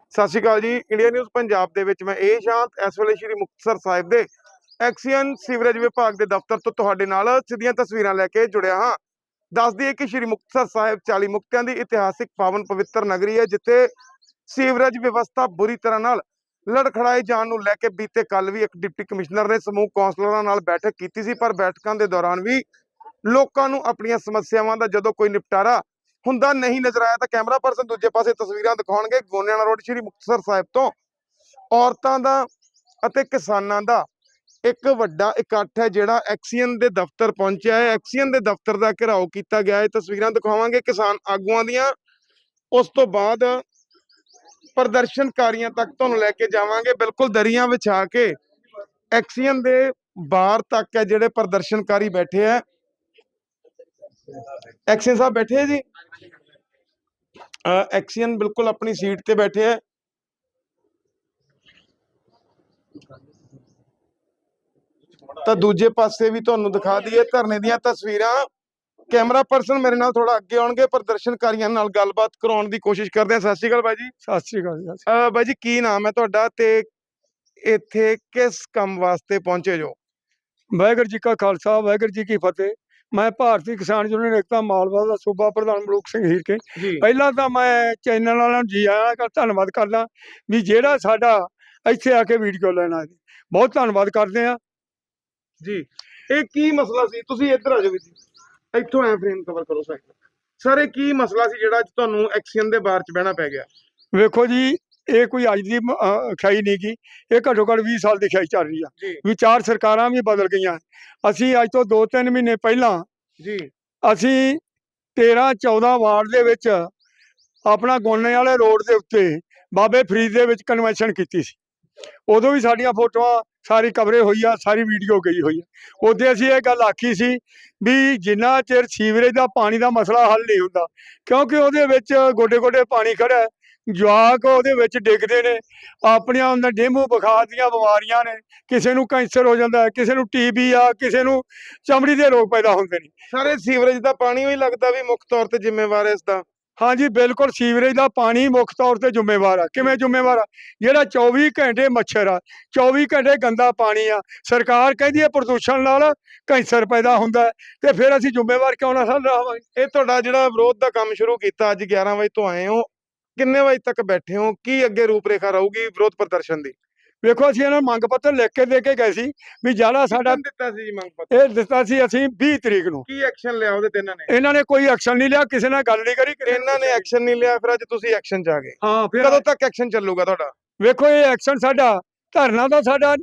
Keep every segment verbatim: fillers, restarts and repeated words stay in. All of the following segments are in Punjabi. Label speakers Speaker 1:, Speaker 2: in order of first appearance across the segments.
Speaker 1: ਸਤਿ ਸ਼੍ਰੀ ਅਕਾਲ ਜੀ। ਇੰਡੀਆ ਨਿਊਜ਼ ਪੰਜਾਬ ਦੇ ਵਿੱਚ ਮੈਂ ਇਹ ਸ਼ਾਂਤ ਇਸ ਵੇਲੇ ਸ਼੍ਰੀ ਮੁਕਤਸਰ ਸਾਹਿਬ ਦੇ ਐਕਸੀਅਨ ਸੀਵਰੇਜ ਵਿਭਾਗ ਦੇ ਦਫ਼ਤਰ ਤੋਂ ਤੁਹਾਡੇ ਨਾਲ ਸਿੱਧੀਆਂ ਤਸਵੀਰਾਂ ਲੈ ਕੇ ਜੁੜਿਆ ਹਾਂ। ਦੱਸ ਦਈਏ ਕਿ ਸ਼੍ਰੀ ਮੁਕਤਸਰ ਸਾਹਿਬ ਚਾਲੀ ਮੁਕਤਿਆਂ ਦੀ ਇਤਿਹਾਸਿਕ ਪਾਵਨ ਪਵਿੱਤਰ ਨਗਰੀ ਹੈ, ਜਿੱਥੇ ਸੀਵਰੇਜ ਵਿਵਸਥਾ ਬੁਰੀ ਤਰ੍ਹਾਂ ਨਾਲ ਲੜਖੜਾਏ ਜਾਣ ਨੂੰ ਲੈ ਕੇ ਬੀਤੇ ਕੱਲ ਵੀ ਇੱਕ ਡਿਪਟੀ ਕਮਿਸ਼ਨਰ ਨੇ ਸਮੂਹ ਕੌਂਸਲਰਾਂ ਨਾਲ ਬੈਠਕ ਕੀਤੀ ਸੀ। ਪਰ ਬੈਠਕਾਂ ਦੇ ਦੌਰਾਨ ਵੀ ਲੋਕਾਂ ਨੂੰ ਆਪਣੀਆਂ ਸਮੱਸਿਆਵਾਂ ਦਾ ਜਦੋਂ ਕੋਈ ਨਿਪਟਾਰਾ ਹੁੰਦਾ ਨਹੀਂ ਨਜ਼ਰ ਆਇਆ ਤਾਂ ਕੈਮਰਾ ਪਰਸਨ ਦੂਜੇ ਪਾਸੇ ਤਸਵੀਰਾਂ ਦਿਖਾਉਣਗੇ। ਗੋਨਿਆਣਾ ਰੋਡ ਸ਼੍ਰੀ ਮੁਕਤਸਰ ਸਾਹਿਬ ਤੋਂ ਔਰਤਾਂ ਦਾ ਅਤੇ ਕਿਸਾਨਾਂ ਦਾ ਇੱਕ ਵੱਡਾ ਇਕੱਠ ਹੈ ਜਿਹੜਾ ਐਕਸੀਅਨ ਦੇ ਦਫ਼ਤਰ ਪਹੁੰਚਿਆ ਹੈ। ਐਕਸੀਅਨ ਦੇ ਦਫ਼ਤਰ ਦਾ ਘਿਰਾਓ ਕੀਤਾ ਗਿਆ ਹੈ। ਤਸਵੀਰਾਂ ਦਿਖਾਵਾਂਗੇ ਕਿਸਾਨ ਆਗੂਆਂ ਦੀਆਂ, ਉਸ ਤੋਂ ਬਾਅਦ ਪ੍ਰਦਰਸ਼ਨਕਾਰੀਆਂ ਤੱਕ ਤੁਹਾਨੂੰ ਲੈ ਕੇ ਜਾਵਾਂਗੇ। ਬਿਲਕੁਲ ਦਰੀਆਂ ਵਿਛਾ ਕੇ ਐਕਸੀਅਨ ਦੇ ਬਾਹਰ ਤੱਕ ਹੈ ਜਿਹੜੇ ਪ੍ਰਦਰਸ਼ਨਕਾਰੀ ਬੈਠੇ ਹੈ। ਐਕਸੀਅਨ ਸਾਹਿਬ ਬੈਠੇ ਹੈ ਜੀ, ਐਕਸੀਅਨ ਬਿਲकुल अपनी सीट ते बैठे है। तो दूजे पासे भी तुहानू दिखा दईए धरने दीयां तस्वीरां। कैमरा पर्सन मेरे नाल थोड़ा अगे आउणगे, प्रदर्शनकारियों नाल गलबात कराउण दी कोशिश करदे हां। सत श्री अकाल बाई जी।
Speaker 2: सत श्री अकाल जी।
Speaker 1: अह बाई जी की नाम है तुहाडा ते इत्थे किस काम वास्ते पहुंचे जो?
Speaker 2: वाहिगुरू जी का खालसा वाहिगुरू जी की फतेह। मैं भारतीय किसान यूनियन एकता मालवा का सूबा प्रधान मलूक सिंह हीर के पहला तो मैं चैनल वालों जी आया का धन्नवाद करदा भी जेड़ा साडा इत्थे आके वीडियो लेना है, बहुत धन्नवाद करते हैं
Speaker 1: जी। एक की मसला सी, तुसी इधर आ जाओ जी, इत्थों ऐ फ्रेम कवर करो साइड सर। ये की मसला सी जेड़ा अज तुहानू एक्सीयन दे बार च बहना पै गया?
Speaker 2: वेखो जी, ये कोई अज की खाई नहीं गी, ये घट्टो घट्ट बीस साल की खाई चल रही है। विचार सरकारां भी बदल गई। असी अज तो दो तीन महीने पहला
Speaker 1: जी
Speaker 2: असी तेरह चौदह वार्ड दे विच अपना गोने वाले रोड के उत्ते बाबे फरीद दे विच कन्वेंशन की सी। उदों भी साडियां फोटोआं सारी कवरेज हुई है, सारी वीडियो गई हुई है। उदे असी ये गल आखी सी भी जिन्ना चिर सीवरेज का पानी का मसला हल नहीं हुंदा, क्योंकि उहदे विच गोडे गोडे पानी खड़ा है, जवाक उहदे विच डिगदे ने, अपनियां उन्हां डेंगू बुखार दीयां बीमारियां ने, किसी नूं कैंसर हो जाता है, किसी नूं टीबी आ, किसी नूं चमड़ी दे रोग पैदा होंदे ने।
Speaker 1: सारे सीवरेज का पानी ही लगता भी मुख्य तौर पर जिम्मेवार है इसका?
Speaker 2: हाँ जी बिल्कुल, सीवरेज का पानी मुख्य तौर पर जिम्मेवार है। किवें जिम्मेवार है? जिहड़ा चौबी घंटे मच्छर आ, चौबी घंटे गंदा पानी आ, सरकार कहदी है प्रदूषण नाल कैंसर पैदा हुंदा है, ते फिर असीं जिम्मेवार क्यों ना रहांगे?
Speaker 1: ये तुहाडा जिहड़ा विरोध का काम शुरू किया अज ग्यारह बजे तो आए हो, किन्ने बजे तक बैठे हो, की अगे रूपरेखा रहूगी विरोध प्रदर्शन की?
Speaker 2: वेखो असीं इन्हां नूं मंग पत्र लिख के दे के गए सी भी जिहड़ा साडा
Speaker 1: दिता सी मंग पत्र
Speaker 2: ਇਹ ਦਿੱਤਾ ਸੀ ਅਸੀਂ बीस तरीक ਨੂੰ।
Speaker 1: की एक्शन लिया ਉਹਦੇ ਤੇ ਇਹਨਾਂ ਨੇ?
Speaker 2: ਇਹਨਾਂ ਨੇ ਕੋਈ ਐਕਸ਼ਨ ਨਹੀਂ ਲਿਆ, ਕਿਸੇ ਨਾਲ ਗੱਲ ਨਹੀਂ ਕਰੀ,
Speaker 1: ਇਹਨਾਂ ਨੇ ਐਕਸ਼ਨ ਨਹੀਂ ਲਿਆ, ਫਿਰ ਅੱਜ ਤੁਸੀਂ ਐਕਸ਼ਨ ਚ ਆ ਗਏ।
Speaker 2: ਹਾਂ ਫਿਰ
Speaker 1: ਕਦੋਂ ਤੱਕ ਐਕਸ਼ਨ ਚੱਲੂਗਾ ਤੁਹਾਡਾ?
Speaker 2: ਵੇਖੋ ਇਹ ਐਕਸ਼ਨ ਸਾਡਾ ਧਰਨਾ ਦਾ ਸਾਡਾ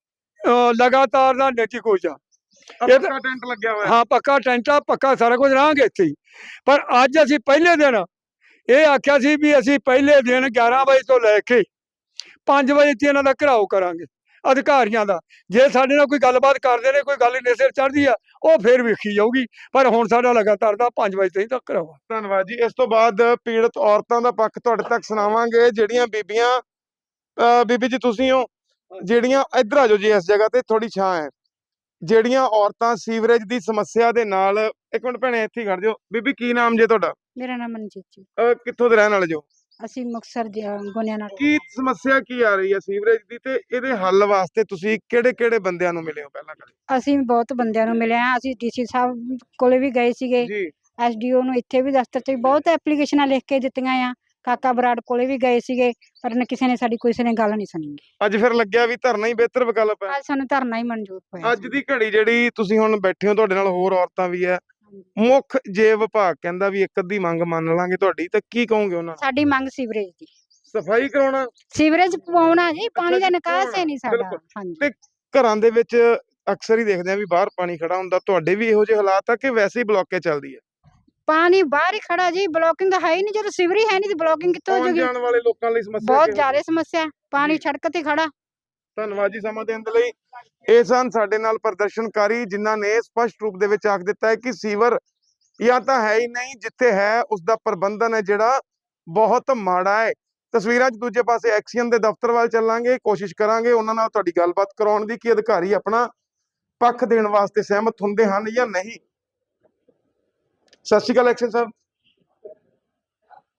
Speaker 2: ਲਗਾਤਾਰ ਦਾ ਨੈਤੀ ਕੋਚ ਆ।
Speaker 1: ਪੱਕਾ ਟੈਂਟ ਲੱਗਿਆ ਹੋਇਆ?
Speaker 2: ਹਾਂ ਪੱਕਾ ਟੈਂਟ ਆ, ਪੱਕਾ ਸਾਰਾ ਕੁਝ ਰਹਾਂਗੇ ਇੱਥੇ ਹੀ। ਪਰ ਅੱਜ ਅਸੀਂ ਪਹਿਲੇ ਦਿਨ ਇਹ ਆਖਿਆ ਸੀ ਵੀ ਅਸੀਂ ਪਹਿਲੇ ਦਿਨ ਗਿਆਰਾਂ ਵਜੇ ਤੋਂ ਲੈ ਕੇ ਪੰਜ ਵਜੇ ਤੱਕ ਇਹਨਾਂ ਦਾ ਘਿਰਾਓ ਕਰਾਂਗੇ ਅਧਿਕਾਰੀਆਂ ਦਾ। ਜੇ ਸਾਡੇ ਨਾਲ ਕੋਈ ਗੱਲਬਾਤ ਕਰਦੇ ਨੇ, ਕੋਈ ਗੱਲ ਨਹੀਂ ਸਿਰ ਚੜ੍ਹਦੀ ਆ, ਉਹ ਫਿਰ ਵੇਖੀ ਜਾਊਗੀ। ਪਰ ਹੁਣ ਸਾਡਾ ਲਗਾਤਾਰ ਦਾ ਪੰਜ ਵਜੇ ਤੱਕ ਘਿਰਾਓ।
Speaker 1: ਧੰਨਵਾਦ ਜੀ। ਇਸ ਤੋਂ ਬਾਅਦ ਪੀੜਤ ਔਰਤਾਂ ਦਾ ਪੱਖ ਤੁਹਾਡੇ ਤੱਕ ਸੁਣਾਵਾਂਗੇ। ਜਿਹੜੀਆਂ ਬੀਬੀਆਂ ਬੀਬੀ ਜੀ ਤੁਸੀਂ ਹੋ, ਜਿਹੜੀਆਂ ਇੱਧਰ ਆ ਜਾਓ ਜੀ, ਇਸ ਜਗ੍ਹਾ ਤੇ ਥੋੜੀ ਛਾਂ ਹੈ, ਜਿਹੜੀਆਂ ਔਰਤਾਂ ਸੀਵਰੇਜ ਦੀ ਸਮੱਸਿਆ ਦੇ ਨਾਲ, ਇੱਕ ਮਿੰਟ ਭੈਣੇ ਇੱਥੇ ਖੜ ਜਾਓ। ਬੀਬੀ ਕੀ ਨਾਮ ਜੇ ਤੁਹਾਡਾ?
Speaker 3: मेरा नाम मनजीत जी।
Speaker 1: ਕਿੱਥੋਂ ਦੇ ਰਹਿਣ ਵਾਲੇ ਜੋ?
Speaker 3: ਅਸੀਂ ਮੁਕਤਸਰ ਗੋਨਿਆਣਾ।
Speaker 1: ਕੀ ਸਮੱਸਿਆ ਕੀ ਆ ਰਹੀ ਹੈ ਸੀਵਰੇਜ ਦੀ, ਤੇ ਇਹਦੇ ਹੱਲ ਵਾਸਤੇ ਤੁਸੀਂ ਕਿਹੜੇ ਕਿਹੜੇ ਬੰਦਿਆਂ ਨੂੰ ਮਿਲੇ ਹੋ ਪਹਿਲਾਂ ਕਦੇ?
Speaker 3: ਅਸੀਂ ਬਹੁਤ ਬੰਦਿਆਂ ਨੂੰ ਮਿਲੇ ਆ। ਅਸੀਂ ਡੀਸੀ ਸਾਹਿਬ ਕੋਲੇ ਵੀ ਗਏ ਸੀਗੇ,
Speaker 1: ਜੀ
Speaker 3: ਐਸਡੀਓ ਨੂੰ ਇੱਥੇ ਵੀ ਦਫ਼ਤਰ 'ਚ ਵੀ ਬਹੁਤ ਐਪਲੀਕੇਸ਼ਨਾਂ ਲਿਖ ਕੇ ਦਿੱਤੀਆਂ ਆ, ਕਾਕਾ ਬਰਾੜ ਕੋਲੇ ਵੀ ਗਏ ਸੀਗੇ, ਪਰ ਨ ਕਿਸੇ ਨੇ ਸਾਡੀ ਕਿਸੇ ਨੇ ਗੱਲ ਨਹੀਂ ਸੁਣੀ।
Speaker 1: ਅੱਜ ਫਿਰ ਲੱਗਿਆ ਵੀ ਧਰਨਾ ਹੀ ਬਿਹਤਰ ਵਿਕਲਪ ਹੈ।
Speaker 3: ਅੱਜ ਸਾਨੂੰ ਧਰਨਾ ਹੀ ਮਨਜ਼ੂਰ ਹੋਇਆ।
Speaker 1: ਅੱਜ ਦੀ ਘੜੀ ਜਿਹੜੀ ਤੁਸੀਂ ਹੁਣ ਬੈਠੇ ਹੋ, ਤੁਹਾਡੇ ਨਾਲ ਹੋਰ ਔਰਤਾਂ ਵੀ ਹੈ, ਮੁੱਖ ਜੇ ਵਿਭਾਗ ਕਹਿੰਦਾ ਵੀ ਇੱਕ ਅੱਧੀ ਮੰਗ ਮੰਨ ਲਾਂਗੇ ਤੁਹਾਡੀ, ਤਾਂ ਕੀ ਕਹੋਗੇ ਉਹਨਾਂ?
Speaker 3: ਸਾਡੀ ਮੰਗ ਸੀਵਰੇਜ ਦੀ,
Speaker 1: ਸਫਾਈ ਕਰਾਉਣਾ,
Speaker 3: ਸੀਵਰੇਜ ਪਵਾਉਣਾ ਜੀ, ਪਾਣੀ ਦਾ ਨਿਕਾਸ ਹੀ ਨਹੀਂ ਸਾਡਾ।
Speaker 1: ਬਿਲਕੁਲ।
Speaker 3: ਹਾਂਜੀ
Speaker 1: ਤੇ ਘਰਾਂ ਦੇ ਵਿੱਚ ਅਕਸਰ ਹੀ ਦੇਖਦੇ ਆ ਵੀ ਬਾਹਰ ਪਾਣੀ ਖੜਾ ਹੁੰਦਾ, ਤੁਹਾਡੇ ਵੀ ਇਹੋ ਜਿਹੇ ਹਾਲਾਤ ਆ ਕਿ ਵੈਸੇ ਹੀ ਬਲੌਕੇ ਚੱਲਦੀ ਹੈ?
Speaker 3: ਪਾਣੀ ਬਾਹਰ ਹੀ ਖੜਾ ਜੀ, ਬਲੋਕਿੰਗ ਹੈ ਹੀ ਨਹੀਂ। ਜਦੋਂ ਸੀਵਰੇਜ ਹੈ ਨਹੀਂ ਤੇ ਬਲੋਕਿੰਗ ਕਿੱਥੋਂ ਹੋ
Speaker 1: ਆਉਣ
Speaker 3: ਜੂਗੀ?
Speaker 1: ਜਾਣ ਵਾਲੇ ਲੋਕਾਂ ਲਈ ਸਮੱਸਿਆ
Speaker 3: ਬਹੁਤ
Speaker 1: ਕਿਹੋ
Speaker 3: ਜ਼ਿਆਦਾ ਸਮੱਸਿਆ, ਪਾਣੀ ਸੜਕ ਤੇ ਖੜਾ।
Speaker 1: ਧੰਨਵਾਦ ਜੀ ਸਮਾਂ ਦੇਣ ਦੇ ਲਈ। ਇਹ ਸਨ ਸਾਡੇ ਨਾਲ ਪ੍ਰਦਰਸ਼ਨਕਾਰੀ ਜਿਨ੍ਹਾਂ ਨੇ ਸਪਸ਼ਟ ਰੂਪ ਦੇ ਵਿੱਚ ਆਖ ਦਿੱਤਾ ਹੈ ਕਿ ਸੀਵਰ ਜਾਂ ਤਾਂ ਹੈ ਹੀ ਨਹੀਂ, ਜਿੱਥੇ ਹੈ ਉਸ ਦਾ ਪ੍ਰਬੰਧਨ ਹੈ ਜਿਹੜਾ ਬਹੁਤ ਮਾੜਾ ਹੈ। ਤਸਵੀਰਾਂ 'ਚ ਦੂਜੇ ਪਾਸੇ ਐਕਸੀਅਨ ਦੇ ਦਫ਼ਤਰ ਵੱਲ ਚੱਲਾਂਗੇ, ਕੋਸ਼ਿਸ਼ ਕਰਾਂਗੇ ਉਹਨਾਂ ਨਾਲ ਤੁਹਾਡੀ ਗੱਲਬਾਤ ਕਰਾਉਣ ਦੀ ਕਿ ਅਧਿਕਾਰੀ ਆਪਣਾ ਪੱਖ ਦੇਣ ਵਾਸਤੇ ਸਹਿਮਤ ਹੁੰਦੇ ਹਨ ਜਾਂ ਨਹੀਂ। ਸਤਿ ਸ਼੍ਰੀ ਅਕਾਲ ਐਕਸੀਅਨ ਸਾਹਿਬ।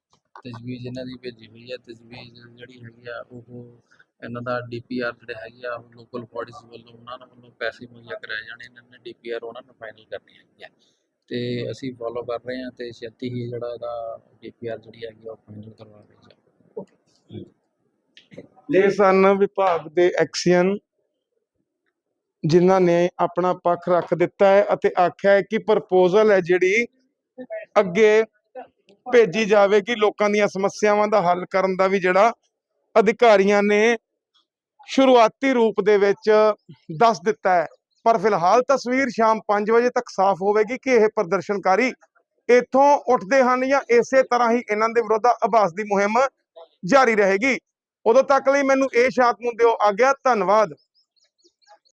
Speaker 4: ਤਜਵੀਜ਼ ਇਹਨਾਂ ਦੀ ਭੇਜੀ ਹੋਈ ਹੈ। ਤਜਵੀਜ਼ ਜਿਹੜੀ ਹੈਗੀ ਆ ਉਹ ਇਹਨਾਂ ਦਾ ਡੀ ਪੀ ਆਰ ਜਿਹੜੇ ਹੈਗੇ ਆ ਉਹ ਲੋਕਲ ਬੋਡੀਜ਼ ਵੱਲੋਂ ਉਹਨਾਂ ਨੂੰ ਵੱਲੋਂ ਪੈਸੇ ਮੁਹੱਈਆ ਕਰਾਏ ਜਾਣੇ, ਇਹਨਾਂ ਨੇ ਡੀ ਪੀ ਆਰ ਉਹਨਾਂ ਨੂੰ ਫਾਈਨਲ ਕਰਨੀ ਹੈਗੀ ਆ ਤੇ ਅਸੀਂ ਫੋਲੋ ਕਰ ਰਹੇ ਹਾਂ ਤੇ ਛੇਤੀ ਹੀ ਜਿਹੜਾ ਇਹਦਾ ਡੀ ਪੀ ਆਰ ਜਿਹੜੀ ਹੈਗੀ ਉਹ ਫਾਈਨਲ ਕਰਵਾ ਲਈ ਜਾਵੇ।
Speaker 1: ਇਹ ਸਨ ਵਿਭਾਗ ਦੇ ਐਕਸੀਅਨ ਜਿਨ੍ਹਾਂ ਨੇ ਆਪਣਾ ਪੱਖ ਰੱਖ ਦਿੱਤਾ ਹੈ ਅਤੇ ਆਖਿਆ ਹੈ ਕਿ ਪ੍ਰਪੋਜ਼ਲ ਹੈ ਜਿਹੜੀ ਅੱਗੇ ਭੇਜੀ ਜਾਵੇਗੀ। ਲੋਕਾਂ ਦੀਆਂ ਸਮੱਸਿਆਵਾਂ ਦਾ ਹੱਲ ਕਰਨ ਦਾ ਵੀ ਜਿਹੜਾ ਅਧਿਕਾਰੀਆਂ ਨੇ ਸ਼ੁਰੂਆਤੀ ਰੂਪ ਦੇ ਵਿੱਚ ਦੱਸ ਦਿੱਤਾ ਹੈ। ਪਰ ਫਿਲਹਾਲ ਤਸਵੀਰ ਸ਼ਾਮ ਪੰਜ ਵਜੇ ਤੱਕ ਸਾਫ਼ ਹੋਵੇਗੀ ਕਿ ਇਹ ਪ੍ਰਦਰਸ਼ਨਕਾਰੀ ਇੱਥੋਂ ਉੱਠਦੇ ਹਨ ਜਾਂ ਇਸੇ ਤਰ੍ਹਾਂ ਹੀ ਇਹਨਾਂ ਦੇ ਵਿਰੁੱਧ ਆਭਾਸ ਦੀ ਮੁਹਿੰਮ ਜਾਰੀ ਰਹੇਗੀ। ਉਦੋਂ ਤੱਕ ਲਈ ਮੈਨੂੰ ਇਹ ਸ਼ਾਂਤ ਨੂੰ ਦਿਓ ਆਗਿਆ। ਧੰਨਵਾਦ।